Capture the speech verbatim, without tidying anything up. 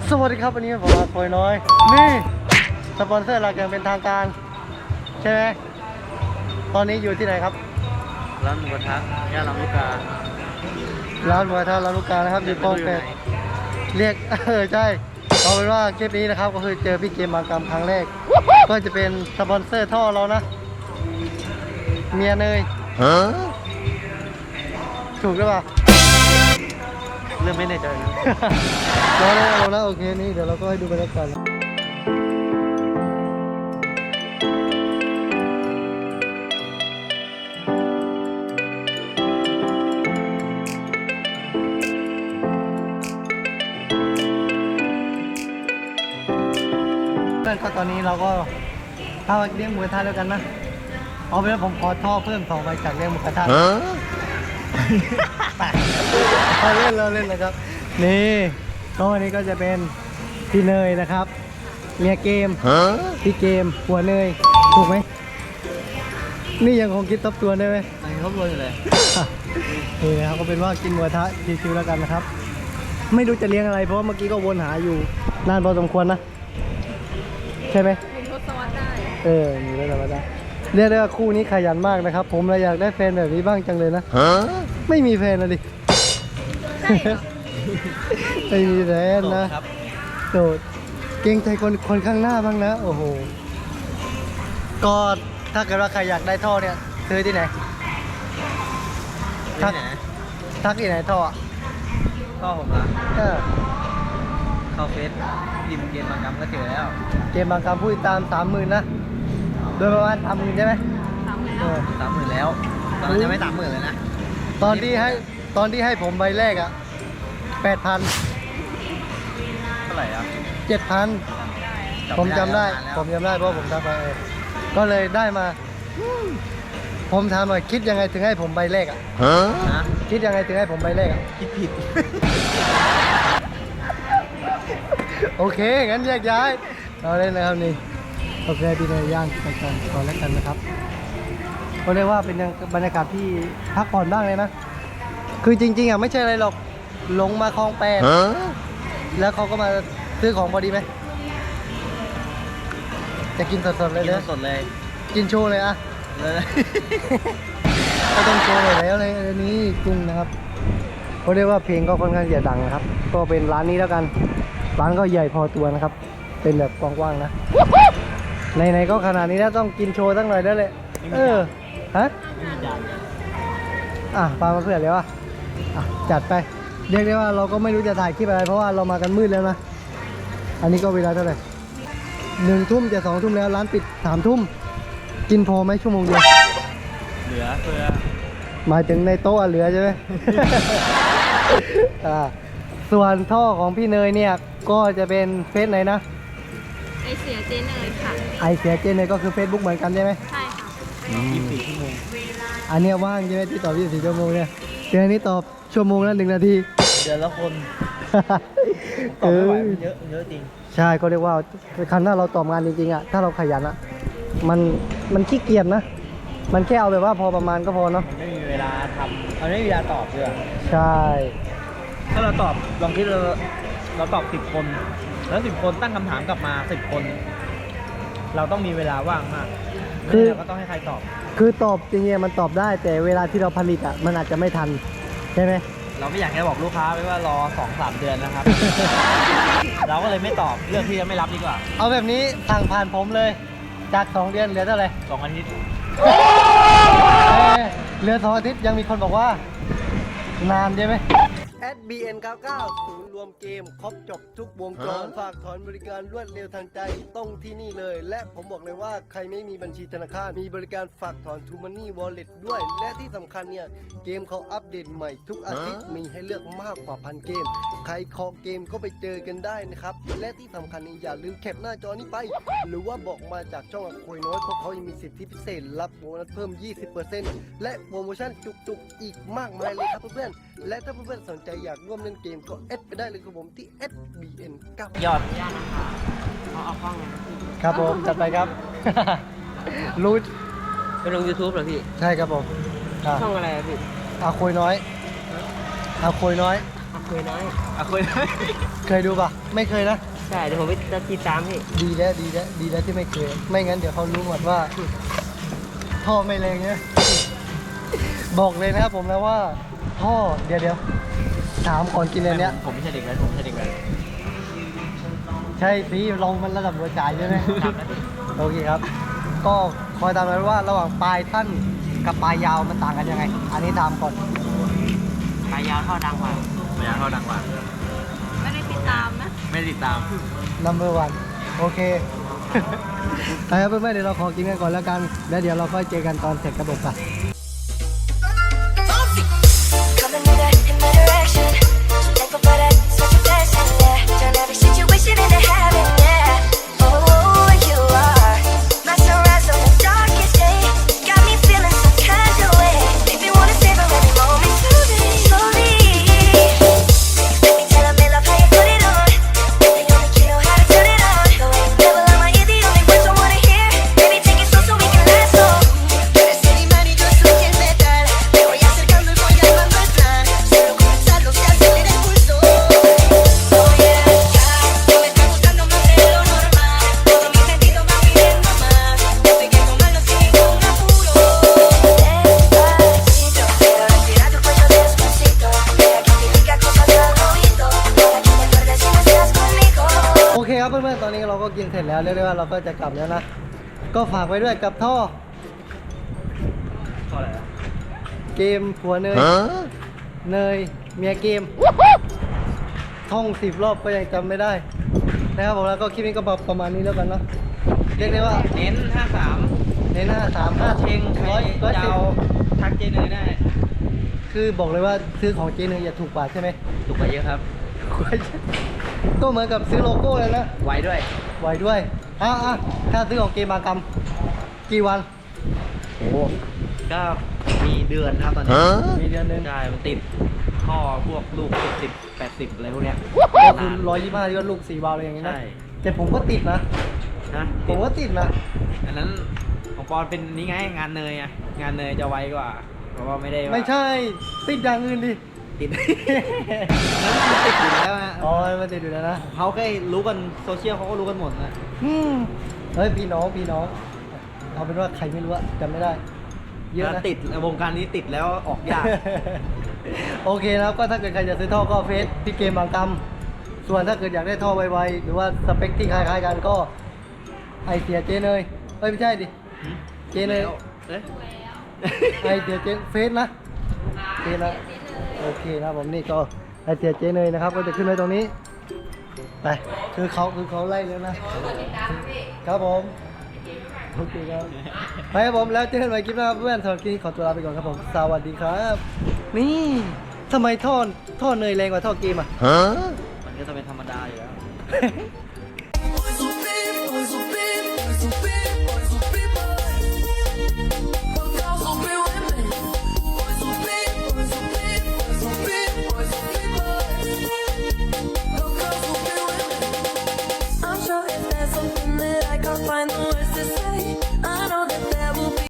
สวัสดีครับวันนี้ผมมาโอยน้อยนี่สปอนเซอร์หลักอย่างเป็นทางการใช่ไหมตอนนี้อยู่ที่ไหนครับร้านหมูกระทะย่านลำลูกการ้านหมูกระทะร้านลูกกานะครับอยู่คลองแปดเรียกเออใช่เอาเป็นว่าคลิปนี้นะครับก็คือเจอพี่เกมบางกรรมครั้งแรกก็จะเป็นสปอนเซอร์ท่อเรานะเมียเนยถูกหรือเปล่าเรื่องไม่แน่ใจนะเราแล้วเราแล้วโอเคนี่เดี๋ยวเราก็ให้ดูบรรยากาศเพื่อนก็ตอนนี้เราก็ถ้าเลี้ยงหมูกระทะแล้วกันนะเอาไปแล้วผมขอท่อเพิ่มสองใบจากเลี้ยงหมูกระทะเราเล่นเราเล่นนะครับนี่ก็วันนี้ก็จะเป็นพี่เนยนะครับเมียเกมพี่เกมหัวเนยถูกไหมนี่ยังคงคิดทบทวนได้ไหมยังทบทวนอยู่เลยนี่นะครับก็เป็นว่ากินหมูกระทะชิวๆแล้วกันนะครับไม่รู้จะเลี้ยงอะไรเพราะว่าเมื่อกี้ก็วนหาอยู่นานพอสมควรนะใช่ไหมมีทศวรรษได้เออมีทศวรรษได้เรียกได้ว่าคู่นี้ขยันมากนะครับผมเลยอยากได้แฟนแบบนี้บ้างจังเลยนะไม่มีแฟนนะดิไม่มีแฟนนะโสดเกรงใจคนคนข้างหน้าบ้างนะโอ้โหก็ถ้าเกิดว่าใครอยากได้ท่อเนี่ยซื้อที่ไหนทักทักที่ไหนท่อท่อผมนะเออเข้าเฟซพิมพ์เกมบางกรรมก็เจอแล้วเกมบางกรรมผู้ติดตามสามหมื่นนะโดยประมาณสามหมื่นใช่ไหมสามหมื่นแล้วสามหมื่นแล้วตอนนั้นยังไม่สามหมื่นเลยนะตอนที่ให้ตอนที่ให้ผมใบแรกอ่ะแปดพันเท่าไหร่อ่ะเจ็ดพันผมจำได้ผมจำได้เพราะผมทำไปก็เลยได้มาผมถามหน่อยคิดยังไงถึงให้ผมใบแรกอ่ะคิดยังไงถึงให้ผมใบแรกอ่ะคิดผิดโอเคงั้นแยกย้ายเราเล่นนะครับนี่โอเคพี่นายย่างไปก่อนก่อนแล้วกันนะครับก็เรียกว่าเป็นบรรยากาศที่พักผ่อนบ้างเลยนะคือจริงๆอ่ะไม่ใช่อะไรหรอกลงมาคลองแปดแล้วเขาก็มาซื้อของพอดีไหมจะกินสดๆเลยเลยสดเลยกินโชว์เลยอ่ะเลยก็ต้องโชว์เลยแล้วเลยอันนี้กุ้งนะครับเขาเรียกว่าเพลงก็ค่อนข้างจะดังนะครับก็เป็นร้านนี้แล้วกันร้านก็ใหญ่พอตัวนะครับเป็นแบบกว้างๆนะไหนๆก็ขนาดนี้แล้วต้องกินโชว์สักหน่อยได้เลยเออฮะอ่ะปามาเพื่อนเลยวะอ่ะจัดไปเรียกได้ว่าเราก็ไม่รู้จะถ่ายคลิปอะไรเพราะว่าเรามากันมืดแล้วนะอันนี้ก็เวลาเท่าไหร่หนึ่งทุ่มจะสองทุ่มแล้วร้านปิดสามทุ่มกินพอไหมชั่วโมงเดียวเหลือเพื่อหมายถึงในโต๊ะเหลือใช่ไหม อ่าส่วนท่อของพี่เนยเนี่ยก็จะเป็นเฟซไหนนะไอเสียเจเนยค่ะไอเสียเจเนยก็คือ Facebook เหมือนกันใช่ไหมใช่ค่ะยี่สิบสี่ชั่วโมงอันนี้ว่างใช่ไหมที่ตอบยี่สิบสี่ชั่วโมงเนี่ยเดือนนี้ตอบชั่วโมงละหนึ่งนาทีเดือนละคนตอบไม่ไหวมันเยอะเยอะจริงใช่ก็เรียกว่าคันถ้าเราตอบงานจริงๆอ่ะถ้าเราขยันอ่ะมันมันขี้เกียจนะมันแค่เอาแบบว่าพอประมาณก็พอเนาะไม่มีเวลาทำมันไม่มีเวลาตอบด้วยใช่ถ้าเราตอบลองคิดเราเราตอบสิบคนแล้วสิบคนตั้งคำถามกลับมาสิบคนเราต้องมีเวลาว่างมากคือเราก็ต้องให้ใครตอบคือตอบจริงๆมันตอบได้แต่เวลาที่เราผลิตอ่ะมันอาจจะไม่ทันใช่ไหมเราไม่อยากจะบอกลูกค้าไว้ว่ารอสองสามเดือนนะครับ เราก็เลยไม่ตอบเรื่องที่จะไม่รับดีกว่าเอาแบบนี้สั่งผ่านผมเลยจากสองเดือนเหลือเท่าไหร่สองอาทิตย์เหลือสองอาทิตย์ยังมีคนบอกว่านานใช่ไหม แอด บี เอ็น เก้าสิบเก้า ศูนย์รวมเกมครบจบทุกวงจรฝากถอนบริการรวดเร็วทันใจต้องที่นี่เลยและผมบอกเลยว่าใครไม่มีบัญชีธนาคารมีบริการฝากถอน ทูมันนี่ วอลเล็ต ด้วยและที่สำคัญเนี่ยเกมเขาอัปเดตใหม่ทุกอาทิตย์มีให้เลือกมากกว่าพันเกมใครคอเกมก็ไปเจอกันได้นะครับและที่สำคัญนี่อย่าลืมแคปหน้าจอนี้ไปหรือว่าบอกมาจากช่องคุยน้อยเพราะเขายังมีสิทธิพิเศษรับโบนัสเพิ่ม ยี่สิบเปอร์เซ็นต์ และโปรโมชั่นจุกๆอีกมากมายเลยครับเพื่อนๆและถ้าเพื่อนๆสนใจอยากร่วมเล่นเกมก็แอดไปได้เลยครับผมที่ แอด บี เอ็น เก้าสิบยอดยอดนะคะเขาเอากล้องเลยครับผมจัดไปครับ รู้ไปลง ยูทูบ เหรอพี่ใช่ครับผมช่องอะไรพี่อาคุยน้อยอาคุยน้อยเคยน้อยอ่ะคุยได้เคยดูปะไม่เคยนะใช่เดี๋ยวผมไปติดตามพี่ดีแล้วดีแล้วดีแล้วที่ไม่เคย ไม่งั้นเดี๋ยวเขารู้หมดว่าท่อไม่แรงเนี่ยบอกเลยนะครับผมแล้วว่าท่อเดี๋ยวเดี๋ยวถามก่อนกินอันเนี้ยผมไม่ใช่เด็กแล้วผมไม่ใช่เด็กแล้วใช่สิเรามันระดับหัวใจใช่ไหมโอเคครับ ก็คอยตามไปว่าระหว่างปลายท่านกับปลายยาวมันต่างกันยังไง อันนี้ถามก่อนปลายยาวท่อดังกว่าพยายามเข้าดังกว่าไม่ได้ติดตามนะไม่ได้ติดตาม number one โอเค ไปครับเพื่อนๆเดี๋ยวเราขอกินกันก่อนแล้วกัน แล้วเดี๋ยวเราค่อยเจอกันตอนเสร็จกระบอกกัน Coming in that in my direction. So thankful for that, such a blessing, yeah. Turn every situation into heaven, yeah. Oh, you are my sunrise on the darkest day. Got me feeling some kind of way. Make me wanna savor every moment slowly, slowly. Let me tell 'em they love how you put it on. They only you know how to turn it on. The way you never lie, my ear, the only words I wanna hear. Baby, take it slow so we can last long. Tú eres el imán y yo soy el metal. Me voy acercando y voy armando el plan. Solo comenzarlo se acelera el pulso. Oh yeah, ya. Tú me estás gustando más de lo normal. Todos mis sentidos van pidiendo más. Estoy que tomarlo sin ningún apuro. Despacito, quiero respirar tu cuello despacito. Deja que te diga cosas al oído. Para que te acuerdes si no estás conmigo. โอเคครับเพื่อนๆตอนนี้เราก็กินเสร็จแล้วเรียกได้ว่าเราก็จะกลับแล้วนะ ก็ฝากไว้ด้วยกับท่อเท่าไหร่อะเกมผัวเนย เนยเมียเกม ท่องสิบรอบก็ยังจำไม่ได้นะครับผมแล้วก็คลิปนี้ก็ประมาณนี้แล้วกันเนาะเรียกได้ว่าเน้นห้าสามในหน้าสามห้าเชงใครร้อยร้อยจะสิบเอาทักเจเนยได้คือบอกเลยว่าซื้อของเจเนยอย่าถูกกว่าใช่ไหมถูกกว่าเยอะครับก็เหมือนกับซื้อโลโก้เลยนะไวด้วยไหวด้วยอ่ะอ่ะถ้าซื้อของเกมบางกรรมกี่วันโอ้ก็มีเดือนครับตอนนี้มีเดือนหนึงใช่มันติดท่อพวกลูกเจ็ดสิบแปดสิบอะไรพวกเนี้ยก็คือร้อยยี่สิบห้าที่ว่าลูกสี่วาล์วอะไรอย่างเงี้ยนะใช่แต่ผมก็ติดนะนะผมก็ติดนะอันนั้นของปอนเป็นนี่ไงงานเนยอะงานเนยจะไวกว่า เพราะว่าไม่ได้ว่าไม่ใช่ติดอย่างอื่นดิติด นั้นมันติดอยู่แล้วอะอ๋อมันติดอยู่แล้วนะเขาแค่รู้กันโซเชียลเขาก็รู้กันหมดนะอืมเฮ้ยพี่น้องพี่น้องเอาเป็นว่าใครไม่รู้อะจำไม่ได้ เยอะแล้วนะติดวงการนี้ติดแล้วออกยากโอเคนะครับก็ถ้าเกิดใครจะซื้อท่อก็เฟซพี่เกมบางกรรมส่วนถ้าเกิดอยากได้ท่อไวๆหรือว่าสเปคที่คล้ายๆกันก็ไอเสียเจเนยเอ้ยไม่ใช่ดิ เจเนยเอ๊ะไอเสียเจนเฟซนะเฟซนะโอเคนะผมนี่ก็ไอเสียเจเนยนะครับก็จะขึ้นไว้ตรงนี้ไปคือเขาคือเขาไล่แล้วนะครับผมโอเคครับไปครับผมแล้วเจอกันใหม่คลิปหน้าเพื่อนสำหรับคลิปนี้ขอตัวลาไปก่อนครับผมสวัสดีครับ นี่ทำไมท่อท่อเนยแรงกว่าท่อเกมอ่ะมันก็จะเป็นธรรมดาอยู่แล้ว